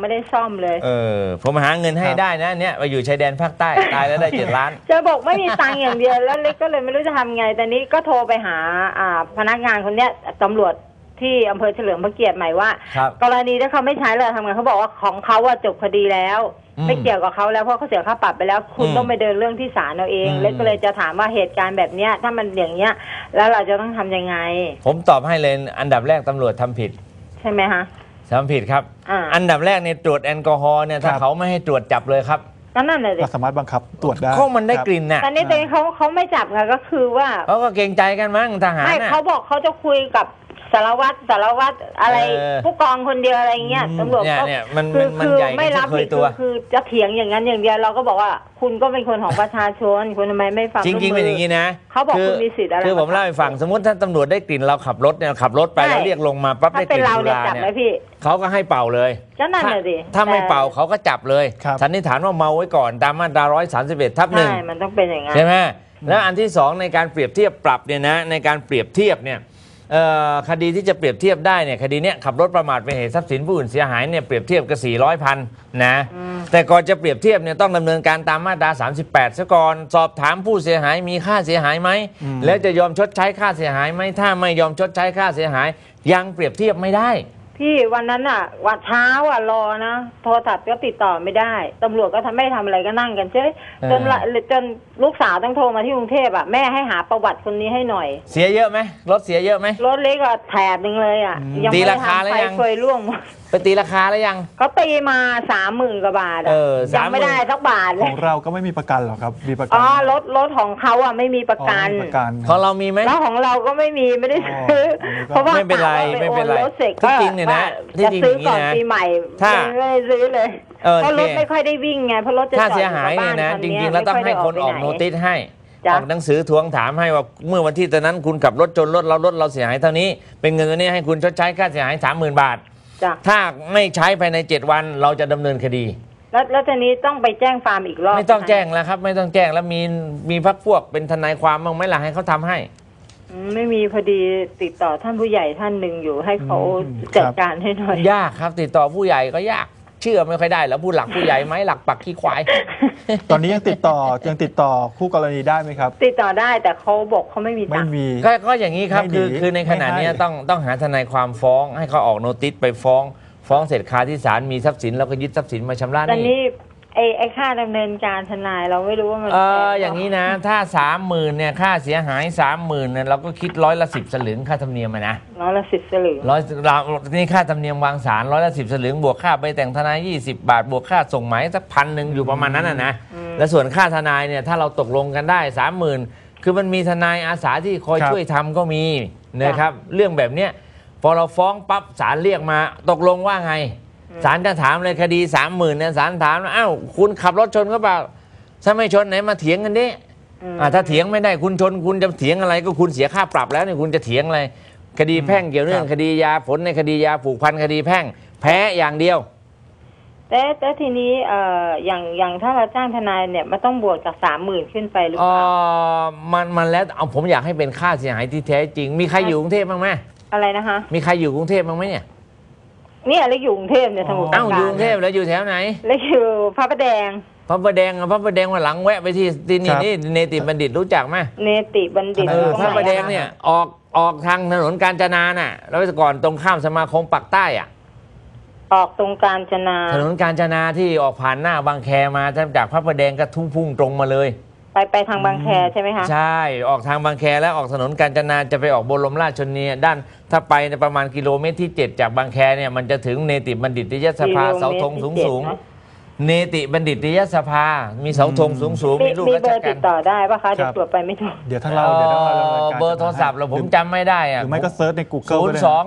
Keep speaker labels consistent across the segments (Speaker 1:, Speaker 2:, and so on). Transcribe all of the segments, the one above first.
Speaker 1: ไม่ได้ซ่อมเลย
Speaker 2: ผมหาเงินให้ได้นะเนี่ยไปอยู่ชายแดนภาคใต้ตายแล้วได้7 ล้าน
Speaker 1: จะบอกไม่มีตังค์อย่างเดียวแล้วเล็กก็เลยไม่รู้จะทำไงแต่นี้ก็โทรไปหาพนักงานคนเนี้ยตำรวจที่อำเภอเฉลิมพระเกียรติใหม่ว่ากรณีถ้าเขาไม่ใช้เลยทำไงเขาบอกว่าของเขาจบคดีแล้วไม่เกี่ยวกับเขาแล้วเพราะเขาเสียค่าปรับไปแล้วคุณต้องไปเดินเรื่องที่ศาลเอาเองเล็กก็เลยจะถามว่าเหตุการณ์แบบเนี้ยถ้ามันอย่างเงี้ยแล้วเราจะต้องทำยังไง
Speaker 2: ผมตอบให้เลยอันดับแรกตำรวจทำผิด
Speaker 1: ใช่ไหมคะ
Speaker 2: ทำผิดครับอันดับแรกในตรวจแอลกอฮอล์เนี่ยถ้าเขาไม่ให้ตรวจจับเลยครับ
Speaker 1: นั่นเลย
Speaker 3: สามารถบังคับตรวจได้
Speaker 2: เพราะมันได้กลิ่นน่ะ
Speaker 1: แต่นี่เขาไม่จับค่ะก็คือว่า
Speaker 2: เขาก็เกรงใจกันมั้งทหาร
Speaker 1: ไม่เขาบอกเขาจะคุยกับสารวัตรอะไรผู้กองคนเดียวอะไรเงี้ยตำรวจก็
Speaker 2: คือ
Speaker 1: ไม่รับผิดคือจะเถียงอย่างนั้นอย่างเดียวเราก็บอกว่าคุณก็เป็นคนของประชาชนคุณทำไมไม่ฟัง
Speaker 2: จริงๆเป็นอย่างนี้นะ
Speaker 1: เขาบอกคุณมีสิทธิ์อะไร
Speaker 2: คือผมเล่าให้ฟังสมมติถ้าตำรวจได้กลิ่นเราขับรถเนี่ยขับรไปแล้วเรียกลงมาปั๊บได้กลิ่นสุราเนี่ยเขาก็ให้เป่าเลยถ้าไม่เป่าเขาก็จับเลยสันนิษฐานว่าเมาไว้ก่อนตามมาตรา131/1
Speaker 1: ใช่มันต้องเป็นอย่างนั้น
Speaker 2: ใช่ไหมแล้วอันที่2ในการเปรียบเทียบปรับเนี่ยนะในการเปรียบเทียบเนี่ยคดีที่จะเปรียบเทียบได้เนี่ยคดีเนี้ยขับรถประมาทเป็นเหตุทรัพย์สินผู้อื่นเสียหายเนี่ยเปรียบเทียบกับ400,000นะแต่ก่อนจะเปรียบเทียบเนี่ยต้องดำเนินการตามมาตรา38ซะก่อนสอบถามผู้เสียหายมีค่าเสียหายไหมแล้วจะยอมชดใช้ค่าเสียหายไหมถ้าไม่ยอมชดใช้ค่าเสียหายยังเปรียบเทียบไม่ได้
Speaker 1: พี่วันนั้นวันเช้ารอนะโทรศัพท์ก็ติดต่อไม่ได้ตำรวจก็ไม่ทำอะไรก็นั่งกันเฉยจนลูกสาวต้องโทรมาที่กรุงเทพแม่ให้หาประวัติคนนี้ให้หน่อย
Speaker 2: เสียเยอะไหมรถเสียเยอะไหม
Speaker 1: รถเล็กแถบนึงเลย
Speaker 2: ยังไม่ได้ทำไฟ
Speaker 1: เคยร่วง
Speaker 2: ไปตีราคาแล้วยัง
Speaker 1: เขาตีมา30,000 กว่าบาทยังไม่ได้สักบาท
Speaker 3: ของเราก็ไม่มีประกันหรอครับมีประกัน
Speaker 1: รถของเขาไม่มีประกัน
Speaker 2: ของเรามีไหม
Speaker 1: แล้วของเราก็ไม่มีไม่ได้ซื้อเพราะว่า
Speaker 2: ไม่เป็นไรไม่เป็นไรที่จริงเนี่ยนะที่จริงอย่างนี้นะ
Speaker 1: ปีใหม่ถ้าไม่ได้ซื้อเลยเพราะรถไม่ค่อยได้วิ่งไงเพราะรถจะจอดอยู่กับบ้านเนี่ยนะ
Speaker 2: จริงๆแล้วต้องให้คนออกโนติสให้ออกหนังสือทวงถามให้ว่าเมื่อวันที่ตอนนั้นคุณขับรถจนรถเราเสียหายเท่านี้เป็นเงินตัวนี้ให้คุณชดใช้ค่าเสียหาย30,000 บาทถ้าไม่ใช้ภายใน7 วันเราจะดำเนินคดี
Speaker 1: แล้วทีนี้ต้องไปแจ้งฟาร์มอีกรอบ
Speaker 2: ไม่ต้องแจ้งแล้วครับไม่ต้องแจ้งแล้วมีพรรคพวกเป็นทนายความบ้างไหมล่ะให้เขาทำให้
Speaker 1: ไม่มีพอดีติดต่อท่านผู้ใหญ่ท่านหนึ่งอยู่ให้เขาจัดการให้หน่อย
Speaker 2: ยากครับติดต่อผู้ใหญ่ก็ยากเชื่อไม่ค่อยได้แล้วผู้หลักผู้ใหญ่ไหมหลักปักขี้ควาย
Speaker 3: ตอนนี้ยังติดต่อคู่กรณีได้ไหมครับ
Speaker 1: ติดต่อได้แต่เขาบอกเขาไม่มีตังค์
Speaker 2: ก็อย่างนี้ครับคือในขณะนี้ต้องหาทนายความฟ้องให้เขาออกโนติสไปฟ้องเสร็จคาที่ศาลมีทรัพย์สินแล้วก็ยึดทรัพย์สินมาชำระหนี้
Speaker 1: ไอ้ค่าดำเนินการทนายเราไม่รู้ว่ามัน
Speaker 2: อย่างนี้นะถ้า30,000เนี่ยค่าเสียหาย30,000เนี่ยเราก็คิด10%สลึงค่าธรรมเนียมนะ
Speaker 1: 10%สลึง
Speaker 2: นี่ค่าธรรมเนียมวางศาล10%สลึงบวกค่าไปแต่งทนาย20 บาทบวกค่าส่งหมายสัก1,000อยู่ประมาณนั้นนะและส่วนค่าทนายเนี่ยถ้าเราตกลงกันได้30,000คือมันมีทนายอาสาที่คอยช่วยทำก็มีนะครับเรื่องแบบเนี้ยพอเราฟ้องปั๊บศาลเรียกมาตกลงว่าไงศาลจะถามเลยคดี30,000เนี่ยศาลถามอ้าวคุณขับรถชนเขาเปล่าถ้าไม่ชนไหนมาเถียงกันดิถ้าเถียงไม่ได้คุณชนคุณจะเถียงอะไรก็คุณเสียค่าปรับแล้วเนี่ยคุณจะเถียงอะไรคดีแพ่งเกี่ยวเรื่องคดียาผลในคดียาผูกพันคดีแพ่งแพ้อย่างเดียว
Speaker 1: แต่ทีนี้อย่างถ้าเราจ้างทนายเนี่ยมันต้องบวกจาก30,000ขึ้นไปหรือเปล่า
Speaker 2: มันแล้วเอาผมอยากให้เป็นค่าเสียหายที่แท้จริงมีใครอยู่กรุงเทพบ้างไหม
Speaker 1: อะไรนะคะ
Speaker 2: มีใครอยู่กรุงเทพบ้างไหมเนี่ย
Speaker 1: เล็กอยู่กรุงเทพเนี่ยสมุทรปราการ
Speaker 2: อยู่กรุงเทพแล้วอยู่แถวไหน
Speaker 1: เล็กอยู่พระประแดง
Speaker 2: พระประแดงวันหลังแวะไปที่นี่เนติบัณฑิตรู้จักไหม
Speaker 1: เนติบัณฑิต
Speaker 2: พระประแดงเนี่ยออกทางถนนกาญจนาน่ะแล้วก่อนตรงข้ามสมาคมปักใต้
Speaker 1: ออกตรงกาญจนา
Speaker 2: ถนนกาญจนาที่ออกผ่านหน้าบางแคมาจากพระประแดงก็พุ่งตรงมาเลย
Speaker 1: ไปทางบางแคใช่ไหมคะ
Speaker 2: ใช่ออกทางบางแคแล้วออกถนนกาญจนาจะไปออกบรมราชชนนีด้านถ้าไปในประมาณกิโลเมตรที่7จากบางแคเนี่ยมันจะถึงเนติบัณฑิตยสภาเสาธงสูงเนติบัณฑิตยสภามีเสาธงสูงมีรูปราชการ
Speaker 1: ติดต่อได้ป่ะคะเดี๋ยวตรวจไปไม่ถูก
Speaker 3: เดี๋ยวเรา
Speaker 2: เบอร์โทรศัพท์เราผมจำไม่ได้
Speaker 3: หรือไม่ก็เซิร์ชใน Google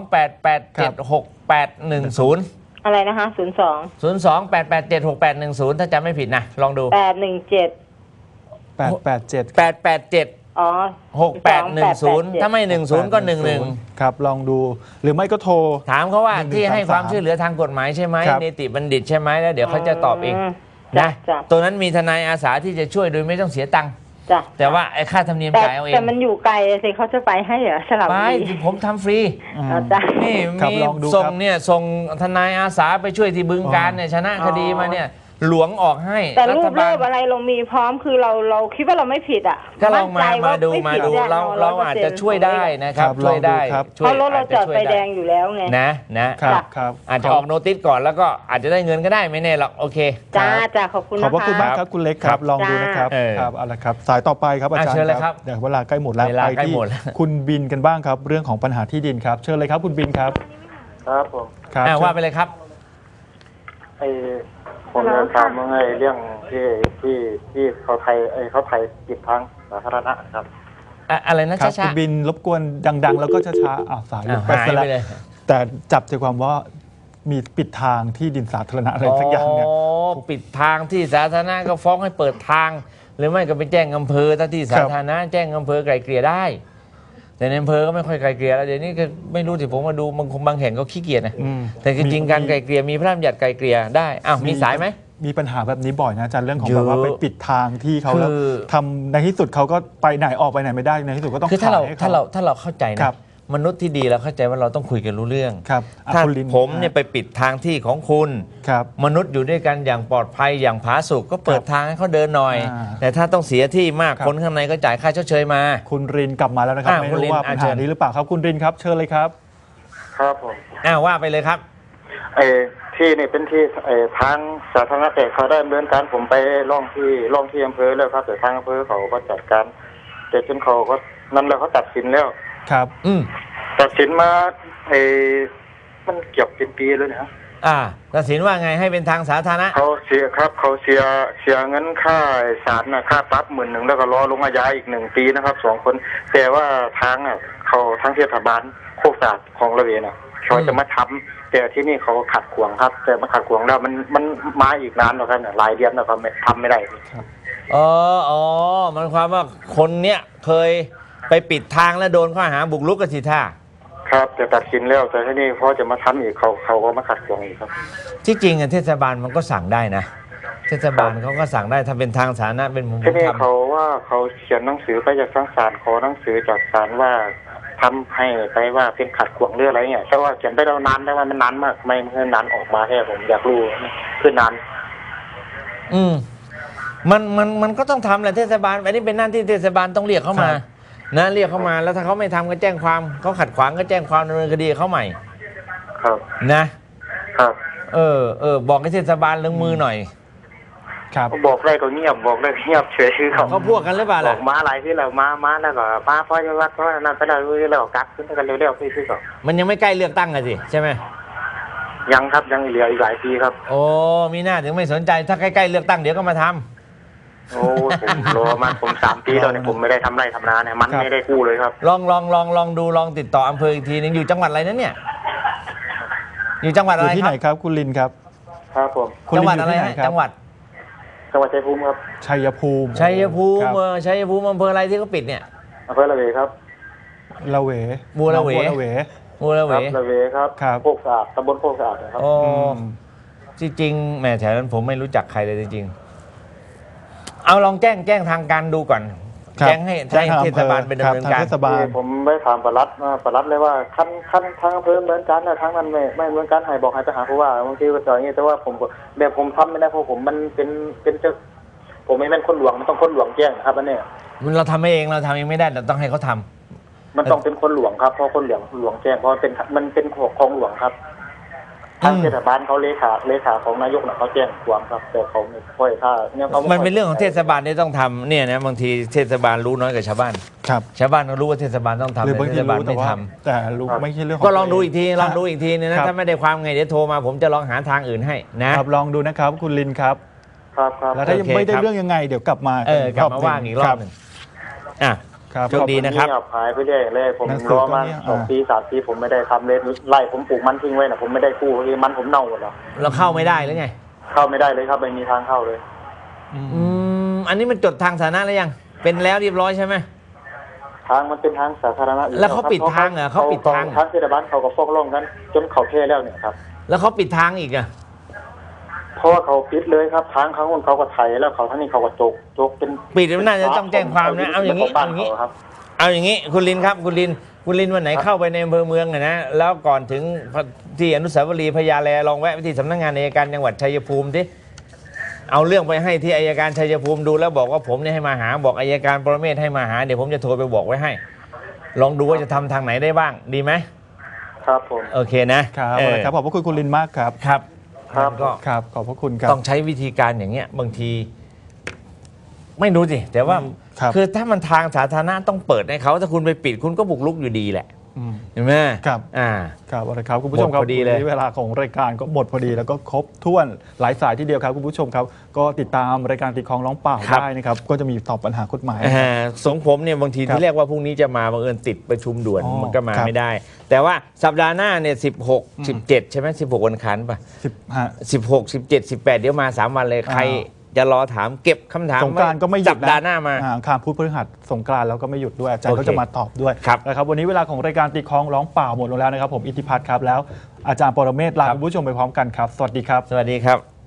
Speaker 2: 028876810
Speaker 1: อะไรนะคะ
Speaker 2: 028876810ถ้าจำไม่ผิดนะลองดู
Speaker 3: 887
Speaker 1: อ๋อ
Speaker 2: 6810ถ้าไม่10ก็11
Speaker 3: ครับลองดูหรือไม่ก็โทร
Speaker 2: ถามเขาว่าที่ให้ความช่วยเหลือทางกฎหมายใช่ไหมเนติบัณฑิตใช่ไหมแล้วเดี๋ยวเขาจะตอบเองนะตัวนั้นมีทนายอาสาที่จะช่วยโดยไม่ต้องเสียตังค์
Speaker 1: จ้ะ
Speaker 2: แต่ว่าไอ้ค่าธรรมเนียมจ่ายเอาเอง
Speaker 1: แต่มันอยู่ไกลสิเขาจะไปให้เหรอสลับ
Speaker 2: ไป
Speaker 1: บุรี
Speaker 2: ผมทำฟรี
Speaker 1: จ้ะ
Speaker 2: นี่
Speaker 3: ครับ
Speaker 2: มี
Speaker 3: ลองดู
Speaker 2: ส่ง
Speaker 3: ครับ
Speaker 2: เนี่ยส่งทนายอาสาไปช่วยที่บึงการเนี่ยชนะคดีมาเนี่ยหลวงออกให้
Speaker 1: แต่รูป
Speaker 2: ฐบา
Speaker 1: เลิ
Speaker 2: ล
Speaker 1: กอะไรเรามีพร้อมคือเราคิดว่าเราไม่ผิดอ่ะ
Speaker 2: ก็ลองมา
Speaker 1: มั่นใจว่
Speaker 2: ดู
Speaker 1: ไผิ
Speaker 2: มาดู
Speaker 1: แน่นอน
Speaker 2: เราอาจจะช่วยได้นะครับ
Speaker 3: ครับ
Speaker 2: ช่วยได้
Speaker 3: ลองดูครับ
Speaker 2: ช่
Speaker 1: เพ
Speaker 2: วย
Speaker 1: ราะรถเราจอดไฟแดงอยู่แล้วไง
Speaker 2: นะครับ
Speaker 3: ครับ
Speaker 2: อาจจะออกโนติสก่อนแล้วก็อาจจะได้เงินก็ได้ไม่แน่หรอกโอเค
Speaker 1: จ้าจ้าขอบคุณ
Speaker 3: ข
Speaker 1: นะ
Speaker 3: อบพระคุณ
Speaker 1: คะ
Speaker 3: มากครับคุณเล็กครับ ลองดูนะครับ
Speaker 2: เออ
Speaker 3: ครับเอาละครับ สายต่อไปครับอาจารย์
Speaker 2: เชิญเลยครับ
Speaker 3: เดี๋ยวเวลาใกล้หมดแล้ว
Speaker 2: เวลา
Speaker 3: ไป
Speaker 2: ใกล้
Speaker 3: ที่
Speaker 2: หมดแล้ว
Speaker 3: คุณบินกันบ้างครับ เรื่องของปัญหาที่ดินครับ เชิญเลยครับคุณบินครับ
Speaker 4: ครับผม
Speaker 3: ครับ
Speaker 2: ว่าไปเลยครับ
Speaker 4: ไอผมจะถามว่าไงเรื่องที่เขาไทยปิดทางสาธารณะครับ
Speaker 2: อะไรนะ
Speaker 3: ครับ
Speaker 2: ช้า
Speaker 3: คุณบินรบกวนดัง ๆ แล้วก็ช้าๆสาย
Speaker 2: ๆ
Speaker 3: ไป
Speaker 2: หาย
Speaker 3: ซะแล้ว
Speaker 2: ไปเลย
Speaker 3: แต่จับใจความว่ามีปิดทางที่ดินสาธารณะอะไรสักอย่างเนี่ย
Speaker 2: ปิดทางที่สาธารณะก็ฟ้องให้เปิดทาง หรือไม่ก็ไปแจ้งอำเภอถ้าที่สาธารณะแจ้งอำเภอไกลเกลี่ยได้ แต่ในอำเภอก็ไม่ค่อยไกลเกลี่ยแล้วเดี๋ยวนี้ก็ไม่รู้สิผมมาดูบางแห่งก็ขี้เกียจนะ
Speaker 3: อืม
Speaker 2: แต่จริงๆการไกลเกลี่ยมีพระราชบัญญัติไกลเกลี่ยได้อ้าวมีสายไหม
Speaker 3: มีปัญหาแบบนี้บ่อยนะอาจารย์เรื่องของ
Speaker 2: เยอะ
Speaker 3: แบบว่าไปปิดทางที่เขาแล้ว
Speaker 2: คือ
Speaker 3: ทำในที่สุดเขาก็ไปไหนออกไปไหนไม่ได้ในที่สุดก็ต้อง
Speaker 2: คือถ้าเรา
Speaker 3: ขยให้ข
Speaker 2: ถ้าเราเข้าใจนะครับ มนุษย์ที่ดีเราเข้าใจว่าเราต้องคุยกันรู้เรื่อง
Speaker 3: ครับอ่ะ
Speaker 2: ถ้า
Speaker 3: คุณลิน
Speaker 2: ผมเนี่ยไปปิดทางที่ของคุณ
Speaker 3: ครับ
Speaker 2: มนุษย์อยู่ด้วยกันอย่างปลอดภัยอย่างผาสุกก็เปิดทางให้เขาเดินหน่อย
Speaker 3: อ่า
Speaker 2: แต่ถ้าต้องเสียที่มาก
Speaker 3: ครับ
Speaker 2: คนข้างในก็จ่ายค่าชดเชยมา
Speaker 3: คุณรินกลับมาแล้วนะครับ
Speaker 2: อ่ะ
Speaker 3: ไม่
Speaker 2: คุณ
Speaker 3: รู้
Speaker 2: ริน
Speaker 3: ว่า
Speaker 2: อ่ะ
Speaker 3: ปัญ
Speaker 2: เชิ
Speaker 3: หา
Speaker 2: ญ
Speaker 3: นี้หรือเปล่าครับคุณรินครับเชิญเลยครับ
Speaker 4: ครับผม
Speaker 2: ว่าไปเลยครับ
Speaker 4: ที่นี่เป็นที่ทางสาธารณะแต่เขาได้ดำเนินการผมไปร้องที่อำเภอแล้วครับแต่ทางอำเภอเขาก็จัดการแต่จนเขาก็นั่นแล้วเขาตัดสินแล้ว
Speaker 3: ครับ
Speaker 4: ตัดสินมามันเกือบเป็นปีเลยนะ
Speaker 2: ตัดสินว่าไงให้เป็นทางสาธารณะ
Speaker 4: เขาเสียเงินค่าศาลนะค่าปรับ10,000แล้วก็รอลงอาญาอีก1 ปีนะครับ2 คนแต่ว่าทางเขาทางเทศบาลโคกสะอาดของระเวนะเขาจะมาทำแต่ที่นี่เขาขัดขวางครับ แต่มาขัดขวางแล้วมันมาอีกนานแล้วครับเนี่ยหลายเดือนแล้วก็ทำไม่ได้
Speaker 2: มันความว่าคนเนี้ยเคยไปปิดทางแล้วโดนข้อหาบุกรุกกันสิท่า
Speaker 4: ครับแต่ตัดสินแล้วแต่ที่นี่เขาจะมาทำอีกเขาก็มาขัดขวางอีกครับ
Speaker 2: ที่จริงเทศบาลมันก็สั่งได้นะเทศบาลเขาก็สั่งได้ถ้าเป็นทางสาธารณะเป็นมุม
Speaker 4: ที่นี่
Speaker 2: ทำ
Speaker 4: เขาว่าเขาเขียนหนังสือไปจากทางศาลขอหนังสือจากศาลว่าทำให้ไปว่าเป็นขัดขวางเรื่องอะไรเนี่ยแต่ว่าเขียนไปแล้วนานแต่ว่ามันนานมากไม่เมื่อนานออกมาแค่ผมอยากรู้คือนาน
Speaker 2: มันก็ต้องทำแหละเทศบาลอันนี้เป็นหน้าที่เทศบาลต้องเรียกเข้ามานะเรียกเข้ามาแล้วถ้าเขาไม่ทำก็แจ้งความเขาขัดขวางก็แจ้งความดำเนินคดีเขาใหม่
Speaker 4: ครับ
Speaker 2: นะครับ บอกให้เทศบาลลงมือหน่อย
Speaker 3: ครับ
Speaker 4: บอกได้ก็เงียบบอกได้ก็เงียบเฉยคือเขา
Speaker 2: เขาพวกกันหรือเปล่า
Speaker 4: บ
Speaker 2: ล่ะ
Speaker 4: อกมาอะไรที่เรามาแล้วก็มาเพราะจะวัดเพราะนั่นไปแล้วเรากักขึ้นกันเร็วๆคือเขา
Speaker 2: มันยังไม่ใกล้เลือกตั้งกันสิใช่ไหม
Speaker 4: ยังครับยังเหลืออีกหลายปีครับ
Speaker 2: โอ้มีหน้าถึงไม่สนใจถ้าใกล้ๆเลือกตั้งเดี๋ยวก็มาทำ
Speaker 4: โอ้ผมรอมาผม3 ปีแล้วเนี่ยผมไม่ได้ทำไรทำนาเนี่ยมันไม่ได้กู้เลยครับ
Speaker 2: ลองดูลองติดต่ออำเภออีกทีนึงอยู่จังหวัดอะไรนั้นเนี่ยอยู่จังหวัด
Speaker 3: อ
Speaker 2: อะไร
Speaker 3: ยู่ที่
Speaker 2: ค
Speaker 3: ไห
Speaker 2: รั
Speaker 3: น
Speaker 2: บ
Speaker 3: ครับคุณลินครับ
Speaker 4: ครับผม
Speaker 3: คุณ
Speaker 2: จัง
Speaker 3: ลิ
Speaker 2: หวัด
Speaker 3: นอ
Speaker 2: อะไร
Speaker 3: ยู่ที่ไหน
Speaker 2: ฮะ
Speaker 3: ครับ
Speaker 2: จังหวัด
Speaker 4: ชัยภูมิครับ
Speaker 3: ชัยภูมิ
Speaker 2: ชัยภูมิ
Speaker 3: ครับ
Speaker 2: ชัยภูมิอำเภออะไรที่เขาปิดเนี่ย
Speaker 4: อำเภอละเวครับ
Speaker 3: ละเว
Speaker 2: บัวละเว
Speaker 3: น้องบัวละเว
Speaker 2: มูลเหว
Speaker 4: ละเวครับ
Speaker 3: ครับ
Speaker 4: โคกสะอาดตำบลโคกสะอาดนะครับ
Speaker 2: โอ้
Speaker 3: อืม
Speaker 2: ที่จริงแหม่แถวนั้นผมไม่รู้จักใครเลยจริงๆเอาลองแจ้งทางการดูก่อน
Speaker 3: ครับ
Speaker 2: แจ้งให้เทศบาลเป็นดำเนิน
Speaker 3: คบ
Speaker 2: การ
Speaker 3: ทงเทศบาล
Speaker 4: ผมไม่ถามปลัดเลยว่าขั้นทางอำเภอเหมือนกันนะทางนั้นไม่เหมือนกันให้บอกให้ไปหาผู้ว่าบางทีก็จะอย่างนี้แต่ว่าผมแบบผมทำไม่ได้เพราะผมมันเป็นเจ้าผมไม่เป็นคนหลวงมันต้องคนหลวงแจ้งนะครับอันนี้
Speaker 2: เราทำเองไม่ได้เราต้องให้เขาทำ
Speaker 4: มันต้องเป็นคนหลวงครับเพราะคนหลวงแจ้งเพราะมันเป็นของหลวงครับทางเทศบาลเขาเลขาของนายกน่ะเขาแจ้งความครับแต่เขาไม่ค่อยถ้าเนี่ยเขา
Speaker 2: มันเป็นเรื่องของเทศบาลที่ต้องทำเนี่ยนะบางทีเทศบาลรู้น้อยกว่าชาวบ้าน
Speaker 3: ครับ
Speaker 2: ชาวบ้านเขารู้ว่าเทศบาลต้องทำ
Speaker 3: หรือ
Speaker 2: แต่
Speaker 3: บาง
Speaker 2: เท
Speaker 3: ที
Speaker 2: ศบาล
Speaker 3: รู้แต่
Speaker 2: ไม่
Speaker 3: ว่า
Speaker 2: ทำ
Speaker 3: แต่รู้ไม่ใช่เรื่องของ
Speaker 2: ก็ลองดู
Speaker 3: ตัว
Speaker 2: อีกทีลองดูอีกทีนึงนะถ้าไม่ได้ความไงเดี๋ยวโทรมาผมจะลองหาทางอื่นให้นะครับ
Speaker 3: ลองดูนะครับคุณลินครับ
Speaker 4: ครับ
Speaker 3: แล้วถ้ายังไม่ได้เรื่องยังไงเดี๋ยวกลับมาก
Speaker 2: ลับมาว่างอีกรอบหนึ่งอ่ะ
Speaker 3: ครับ
Speaker 2: โชคดีนะครับ
Speaker 4: เงียบหายไปเรื่อยเลยผม
Speaker 3: หนังสือ
Speaker 4: รอมา
Speaker 3: ก็เนี่ย
Speaker 4: 2 ปี 3 ปีผมไม่ได้ทำเลยไล่ผมปลูกมันทิ้งไว้นะผมไม่ได้กู้เลยมันผมเน่าหมดแล้ว
Speaker 2: เราเข้าไม่ได้หรือไง
Speaker 4: เข้าไม่ได้เลยครับไม่มีทางเข้าเลย
Speaker 2: อันนี้มันจดทางสาธารณะแล้วยังเป็นแล้วเรียบร้อยใช่ไหม
Speaker 4: ทางมันเป็นทางสาธารณะอยู่
Speaker 2: แล้วเขาปิดทางเหรอเขาปิดทาง
Speaker 4: ทางเทศบาลเขาก็ฟ้องร้องกันจนเขาแพ้แล้วเนี่ยครับ
Speaker 2: แล้วเขาปิดทางอีกอ่ะ
Speaker 4: เพราะว่าเขาปิดเลยครับทางเขาคนเขาก็ไถแล้วเขาทั้งนี้เขาก็จกเป็น
Speaker 2: ปิดมันน่าจะต้องแจ้งความนะเอาอย่างนี้
Speaker 4: บ้านเขาครับ
Speaker 2: เอาอย่างนี้คุณลินครับคุณลินวันไหนเข้าไปในอำเภอเมืองนะแล้วก่อนถึงที่อนุสาวรีย์พญาแลลองแวะไปที่สำนักงานอัยการจังหวัดชัยภูมิดิเอาเรื่องไปให้ที่อัยการชัยภูมิดูแล้วบอกว่าผมเนี่ยให้มาหาบอกอัยการปรเมศให้มาหาเดี๋ยวผมจะโทรไปบอกไว้ให้ลองดูว่าจะทำทางไหนได้บ้างดีไหม
Speaker 4: ครับผม
Speaker 2: โอเคนะครับ
Speaker 3: ครับขอบพระคุณคุณลินมากครับ
Speaker 2: ครับก็
Speaker 3: ครับขอบพระคุณครับ
Speaker 2: ต้องใช้วิธีการอย่างเงี้ยบางทีไม่รู้สิแต่ว่าคือถ้ามันทางสาธารณะต้องเปิดให้เขาถ้าคุณไปปิดคุณก็บุกรุกอยู่ดีแหละเห็นไหม
Speaker 3: ครับครับอะไรครับคุณผู้ชมครับวันนี้เวลาของรายการก็หมดพอดีแล้วก็ครบถ้วนหลายสายที่เดียวครับคุณผู้ชมครับก็ติดตามรายการตีคลองร้องเปล่าได้นะครับก็จะมีตอบปัญหากฎหมาย
Speaker 2: สงผมเนี่ยบางทีที่เรียกว่าพรุ่งนี้จะมาบังเอิญติดประชุมด่วนมันก็มาไม่ได้แต่ว่าสัปดาห์หน้าเนี่ย16 17ใช่ไหม16วันคันป่ะ16 17 18เดี๋ยวมา3วันเลยใครจะรอถามเก็บคำถาม
Speaker 3: สงกรานต์ก็ไม่หยุด
Speaker 2: สัปดาห์หน้ามา
Speaker 3: คารพุธพฤหัสสงกรานต์แล้วก็ไม่หยุดด้วยอาจารย์ก็จะมาตอบด้วยนะครับวันนี้เวลาของรายการตีคล้องร้องเปล่าหมดลงแล้วนะครับผมอิทธิพัฒน์ครับแล้วอาจารย์ปรเมศลาคุณผู้ชมไปพร้อมกันครับสวัสดีครับ
Speaker 2: สวัสดีครับ